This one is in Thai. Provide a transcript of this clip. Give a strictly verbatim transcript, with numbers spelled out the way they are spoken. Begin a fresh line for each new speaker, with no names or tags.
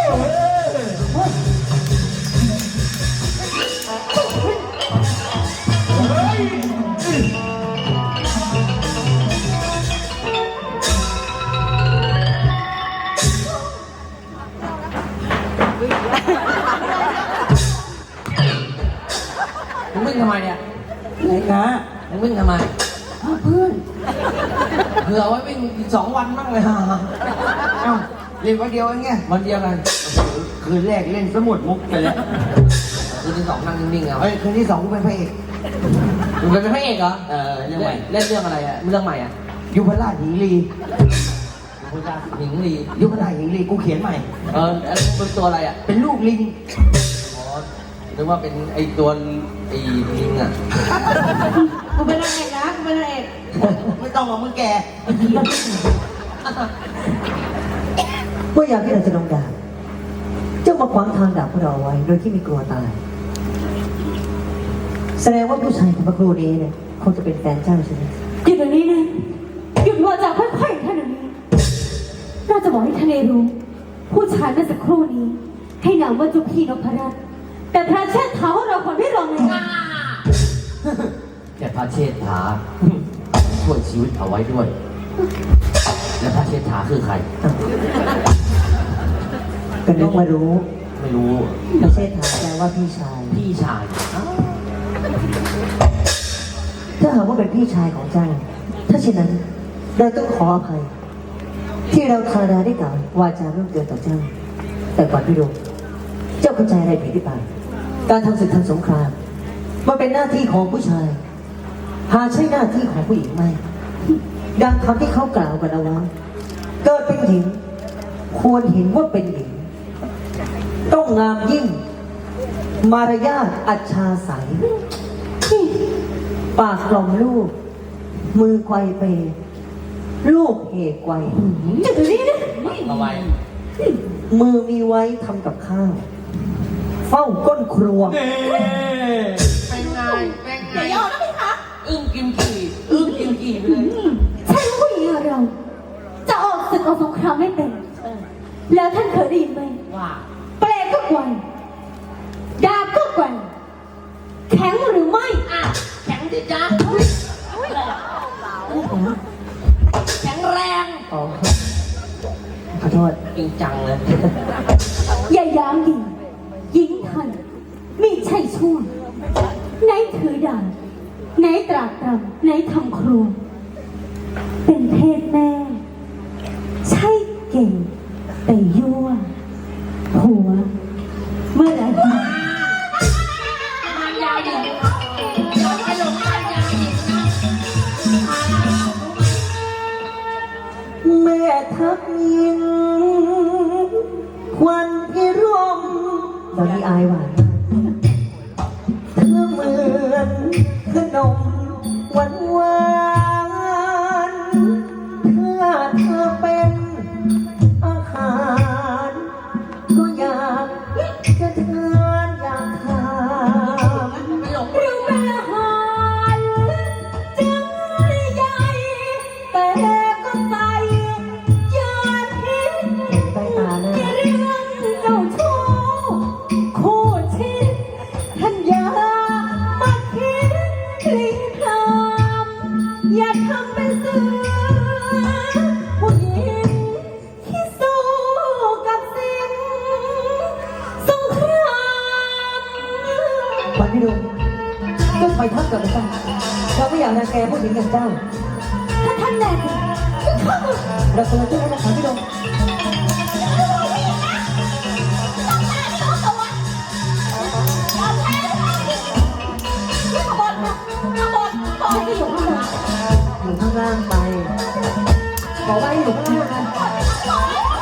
มึงวิ่งทำไมเนี่ย
ไหนนะ
มึงวิ่งทำไม
เพื่อน
เผื่อไว้วิ่งอีกสองวันบ้างเลยฮะ
เอ้าเล่นวันเดียวเองไง
วันเดียวกัน
คืนแรกเล่นสมุดมุกไปแล้ว
คืนที่สองนั่งนิ่งๆเอา
เฮ้ยคืนที่สองกูเป็นพระเอก
มึงเป็นพระเอกเหรอ
เออเรื่องใหม่
เล่นเรื่องอะไรอะเรื่องใหม่อะ
ยุพราชหญิงลี
คุณจะหญิงลี
ยุพราชหญิงลีกูเขียนใหม่
เออแล้วเป็นตัวอะไรอะ
เป็นลูกลิง
อ๋อนึกว่าเป็นไอตัวไอลิงอะ
กูเป็นนางเอกนะกูเป็นนางเอก
ไม่ต้องมามึงแก
เมื่อยามที่เราจะลงดาบเจ้ามาขวางทางดาบของเราไว้ โดยที่ไม่กลัวตาย แสดงว่าผู้ชายคนเมื่อครู่นี้เนี่ยคงจะเป็นแฟนเจ้าใช่ไหม
หยุดเดี๋ยวนี้นะหยุดวาจาค่อยๆท่านเดี๋ยวนี้น่าจะบอกให้ทะเลรู้ผู้ชายเมื่อสักครู่นี้ ให้นามว่าจุพีนพรัตน์แต่พระเชษฐาของเราคนไม่รองเลย
แต่พระเชษฐาช่วยชีวิตเอาไว้ด้วย แล้วพระเชษฐาคือใคร
ก็นึกว่ารู้
ไม่รู้
ไม่ใช่ถามแปลว่าพี่ชาย
พี่ชายอ้าว
ถ้าหากว่าเป็นพี่ชายของเจ้า ถ้าเช่นนั้นเราต้องขออภัย ที่เราทาราได้กล่าววาจาเรื่องเกินต่อเจ้า แต่ก่อนพี่ลุงเจ้าเข้าใจอะไรผิดหรือเปล่าการทำศึกทางสงครามมันเป็นหน้าที่ของผู้ชาย หาใช่หน้าที่ของผู้หญิงไหมดังคำที่เขากล่าวกันเอาไว้เกิดเป็นหญิงควรเห็นว่าเป็นหญิง ต้องงามยิ่ง มารยาทอัจฉาใสปากกล่อมลูก มือไกวเปลูกเหไกว
หยุดเดี๋ยวนี้นะ
เอาไว้
มือมีไว้ทำกับข้าว เฝ้าก้นครัว
เป็นไงเป็นไง
อย่ายอมนะพี่คะ
อึ้งกิมกี่อึ้งกิมกี่ไปเลย
ใช่ผู้หญิงอย่างเรา จะออกศึกออกสงครามไม่เป็น แล้วท่านเคยได้ยินไหม
ว่า
เปลก็กวนดาบก็กวนแข็งหรือไม่
อ่ะแข็งดิจ้าแข็งแรง
อ๋อ ขอโทษ
จริงจังเลย
อย่าย้ำดิยิงทันไม่ใช่ชั่วไหนถือดาบไหนตรากตรำไหนทำครัว เป็นเพศแม่ ใช่เก่งแต่ยั่วหัว เมื่อไหร่
ยาวดิไปหลงยาวดิ
แม่ทักยิงควันพิรมตอนนี้อายหวานเธอเหมือนขนมหวานหวานถ้าเธอเป็นอาหารก็อยากจะทานอยากทาน
ไปหลง
เราเป็นอาหารจึงใหญ่แต่ก็ใส่ยาพิษ
ใต้ตานะ
เรื่องเจ้าชู้คู่ชิดท่านอย่ามาคิดคลีคลามอย่าทำเป็นเสือผู้หญิงที่สู้กับสิ่งสงคราม
ขวัญพี่ลุงก็คอยทักกับเราเราไม่อยากรังแกผู้หญิงอย่างเจ้า
ถ้าท่านแน่จริงก็เข้ามา
เราควรจะช่วยกันนะขวัญพี่ลุง
ฉันก็อยู่ข้างบน
อยู่ข้างล่างไป บอกว่าให้อยู่ข้างล่างนะ